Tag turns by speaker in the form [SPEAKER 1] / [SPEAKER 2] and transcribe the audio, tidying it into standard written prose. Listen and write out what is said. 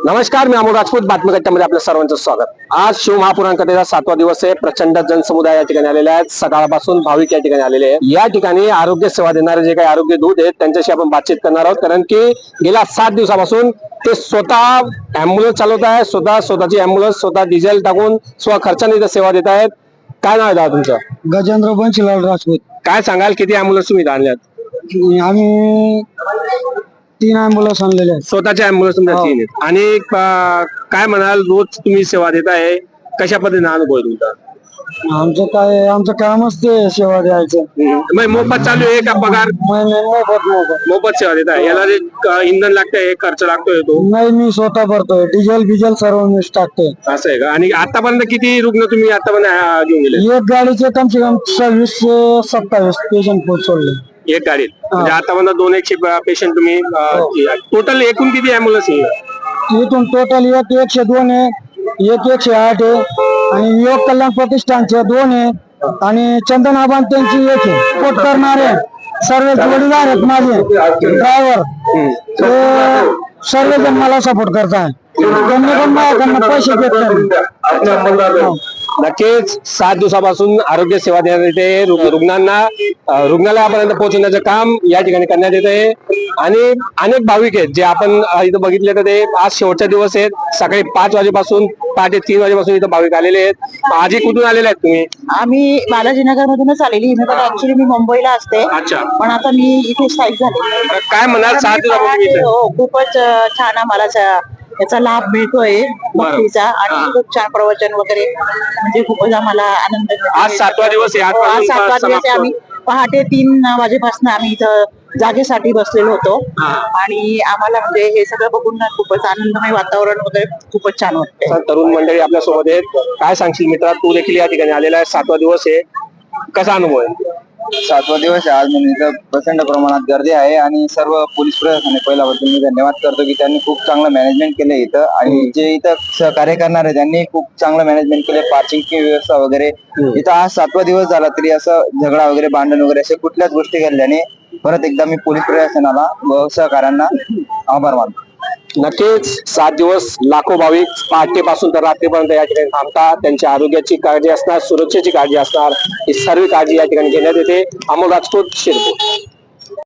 [SPEAKER 1] नमस्कार, मी अमोल राजपूत. बातमीकट्ट्यामध्ये आपल्या सर्वांचं स्वागत. आज शिवमहापुराण कथेचा 7वा दिवस आहे. प्रचंड जनसमुदाय या ठिकाणी आलेले आहेत. सकाळपासून भाविक या ठिकाणी आलेले आहेत. या ठिकाणी आरोग्य सेवा देणारे जे काही आरोग्य दूत आहेत त्यांच्याशी आपण बातचीत करणार आहोत, कारण की गेल्या 7 दिवसापासून ते स्वतः अँब्युलन्स चालवत आहे, स्वतःची अँब्युलन्स स्वतः डिझेल टाकून खर्चाने इथं सेवा देत आहेत. काय नाव आहे दादा तुमचं?
[SPEAKER 2] गजेंद्र बंशीलाल राजपूत.
[SPEAKER 1] काय सांगाल, किती अँब्युलन्स तुम्ही आणल्यात?
[SPEAKER 2] आम्ही 3 अँब्युलन्स आणलेले आहेत.
[SPEAKER 1] स्वतःचे अँब्युलन्स तुमच्या 3 आहेत. आणि काय म्हणाल, रोज तुम्ही सेवा देत आहे, कशा पद्धतीने अनुभव आहे तुमचा?
[SPEAKER 2] आमचं कामच ते सेवा द्यायचं.
[SPEAKER 1] मग मोफत चालू आहे का पगार? मोफत सेवा देत आहे. याला जे इंधन लागतंय, खर्च लागतोय तो?
[SPEAKER 2] नाही, मी स्वतः भरतोय. डिझेल सर्व मीच टाकतोय.
[SPEAKER 1] असं आहे का? आणि आतापर्यंत किती रुग्ण तुम्ही आतापर्यंत घेऊन गेले?
[SPEAKER 2] एक गाडीचे कम से कम 26 ते 27 पेशंट सोडले.
[SPEAKER 1] एक गाडीत म्हणजे आतापर्यंत 200 पेशंट तुम्ही टोटल एकूण किती अँब्युलन्स आहे?
[SPEAKER 2] इथून टोटल 102 आहे, 108 आहे, आणि योग कल्याण प्रतिष्ठानचे 2 आहे, आणि चंदन आबान त्यांची 1 आहे. सपोर्ट करणारे सर्व जोडीदार आहेत माझे ड्रायव्हर, ते सर्वजण मला सपोर्ट करतात. त्यांनी पण माझ्याकडनं पैसे घेतले.
[SPEAKER 1] नक्कीच 7 दिवसापासून आरोग्य सेवा देण्यात येते. रुग्णांना रुग्णालयापर्यंत पोहोचवण्याचं काम या ठिकाणी करण्यात येते. आणि अनेक भाविक आहेत जे आपण इथं बघितले, तर ते आज शेवटचा दिवस आहेत. सकाळी 5 वाजेपासून पहाटे 3 वाजेपासून इथं भाविक आलेले आहेत. आजी कुठून आलेले आहेत तुम्ही?
[SPEAKER 3] आम्ही बालाजीनगर मधूनच आलेली. ऍक्च्युली मी मुंबईला असते,
[SPEAKER 1] अच्छा.
[SPEAKER 3] पण आता मी इथे स्थायिक झाले.
[SPEAKER 1] काय म्हणाल, 7 दिवसापासून
[SPEAKER 3] हो, खूपच छान आम्हाला याचा लाभ मिळतोय भक्तीचा, आणि खूप छान प्रवचन वगैरे, म्हणजे खूपच आम्हाला आनंद मिळतो.
[SPEAKER 1] आज 7वा दिवस आहे.
[SPEAKER 3] आज 7वा दिवस आहे. आम्ही पहाटे 3 वाजेपासून आम्ही इथं जागेसाठी बसलेलो होतो, आणि आम्हाला म्हणजे हे सगळं बघून खूपच आनंदमय वातावरण वगैरे खूपच छान वाटतंय.
[SPEAKER 1] तरुण मंडळी आपल्या सोबत आहेत. काय सांगशील मित्रा, तू देखील या ठिकाणी आलेला आहे. 7वा दिवस आहे, कसा अनुभव आहे?
[SPEAKER 4] 7वा दिवस आहे आज, म्हणून इथं प्रचंड प्रमाणात गर्दी आहे. आणि सर्व पोलीस प्रशासनाने पहिल्याबद्दल मी धन्यवाद करतो की त्यांनी खूप चांगलं मॅनेजमेंट केलं इथं, आणि जे इथं सहकार्य करणार आहे त्यांनी खूप चांगलं मॅनेजमेंट केलं. पार्किंगची व्यवस्था वगैरे. इथं आज 7वा दिवस झाला तरी असं झगडा वगैरे, भांडण वगैरे अशा कुठल्याच गोष्टी घडल्याने परत एकदा मी पोलीस प्रशासनाला व सहकार्यांना आभार मानतो.
[SPEAKER 1] नक्कीच 7 दिवस लाखो भाविक पहाटेपासून तर रात्रीपर्यंत या ठिकाणी थांबतात. त्यांच्या आरोग्याची काळजी असणार, सुरक्षेची काळजी असणार, ही सर्व काळजी या ठिकाणी घेण्यात येते. अमोल राजपूत, शिरपूर.